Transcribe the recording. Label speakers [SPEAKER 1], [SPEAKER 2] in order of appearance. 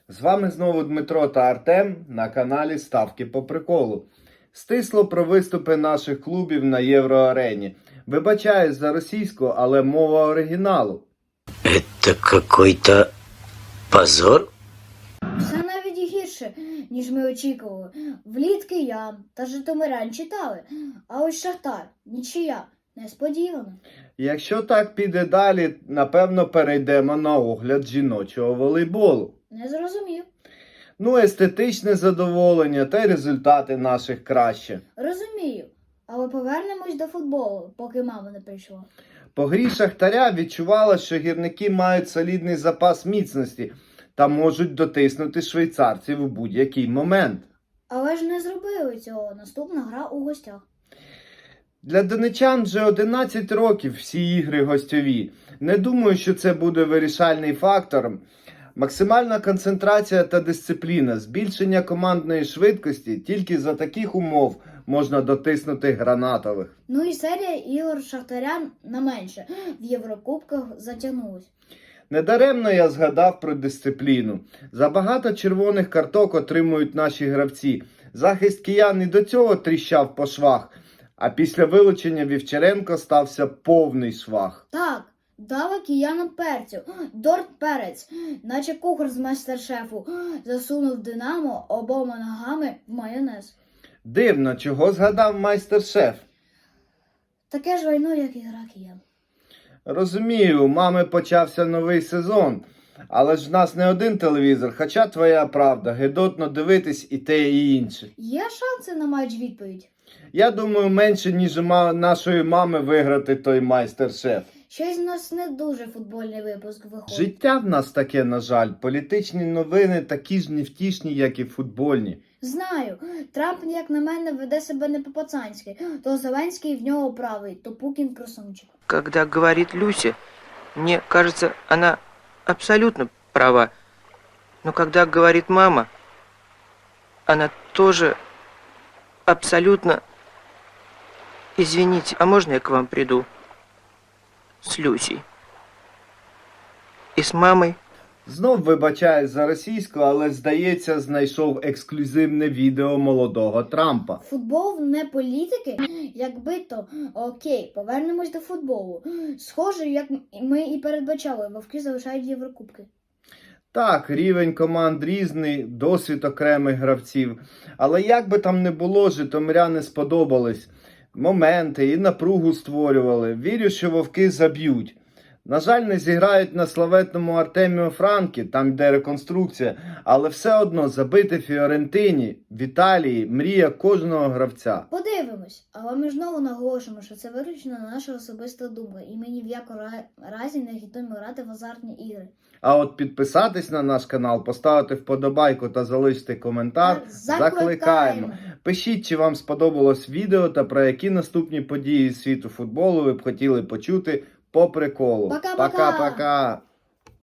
[SPEAKER 1] З вами знову Дмитро та Артем на каналі Ставки по приколу. Стисло про виступи наших клубів на Євроарені. Вибачаюсь за російську, але мова оригіналу.
[SPEAKER 2] Это какой-то позор?
[SPEAKER 3] Все навіть гірше, ніж ми очікували. Вліт Киян та Житомирян читали, а ось Шахтар – нічия. Несподівано.
[SPEAKER 1] Якщо так піде далі, напевно перейдемо на огляд жіночого волейболу.
[SPEAKER 3] Не зрозумів.
[SPEAKER 1] Естетичне задоволення та й результати наших краще.
[SPEAKER 3] Розумію. Але повернемось до футболу, поки мама не прийшла.
[SPEAKER 1] По грі Шахтаря відчувала, що гірники мають солідний запас міцності та можуть дотиснути швейцарців у будь-який момент.
[SPEAKER 3] Але ж не зробили цього. Наступна гра у гостях.
[SPEAKER 1] Для донечан вже 11 років всі ігри гостьові. Не думаю, що це буде вирішальний фактор. Максимальна концентрація та дисципліна, збільшення командної швидкості, тільки за таких умов можна дотиснути гранатових.
[SPEAKER 3] Ну і серія ігор Шахтарян на менше. В Єврокубках затягнулась.
[SPEAKER 1] Недаремно я згадав про дисципліну. Забагато червоних карток отримують наші гравці. Захист киян і до цього тріщав по швах. А після вилучення Вівчаренко стався повний швах.
[SPEAKER 3] Так, дали киянам перцю. Дорт перець, наче кухар з майстер-шефу, засунув Динамо обома ногами в майонез.
[SPEAKER 1] Дивно, чого згадав майстер-шеф.
[SPEAKER 3] Таке ж вайно, як і гра киян.
[SPEAKER 1] Розумію, у мами почався новий сезон. Але ж в нас не один телевізор, хоча твоя правда, гидотно дивитись і те, і інше.
[SPEAKER 3] Є шанси на матч відповідь?
[SPEAKER 1] Я думаю, менше, ніж у нашої мами виграти той майстер-шеф.
[SPEAKER 3] Щось в нас не дуже футбольний випуск виходить.
[SPEAKER 1] Життя в нас таке, на жаль. Політичні новини такі ж невтішні, як і футбольні.
[SPEAKER 3] Знаю, Трамп, як на мене, веде себе не по-пацанськи. То Зеленський в нього правий, то Путін красунчик.
[SPEAKER 4] Когда говорит Люся, мне кажется, она абсолютно права. Но когда говорит мама, она тоже абсолютно... Извините, а можно я к вам приду? С Люсей. И с мамой.
[SPEAKER 1] Знов вибачаюсь за російську, але, здається, знайшов ексклюзивне відео молодого Трампа.
[SPEAKER 3] Футбол не політики? Якби то, окей, повернемось до футболу. Схоже, як ми і передбачали, вовки залишають Єврокубки.
[SPEAKER 1] Так, рівень команд різний, досвід окремих гравців. Але як би там не було, житомиряни сподобались. Моменти і напругу створювали. Вірю, що вовки заб'ють. На жаль, не зіграють на славетному Артеміо Франкі, там йде реконструкція, але все одно забити Фіорентині, в Італії, мрія кожного гравця.
[SPEAKER 3] Подивимось, але ми ж знову наголошуємо, що це виключно наша особиста думка, і ми ні в якому разі не агітуємо грати в азартні ігри.
[SPEAKER 1] А от підписатись на наш канал, поставити вподобайку та залишити коментар
[SPEAKER 3] Так,
[SPEAKER 1] закликаємо. Пишіть, чи вам сподобалось відео та про які наступні події з світу футболу ви б хотіли почути по приколу.
[SPEAKER 3] Пока-пока!
[SPEAKER 1] Пока-пока!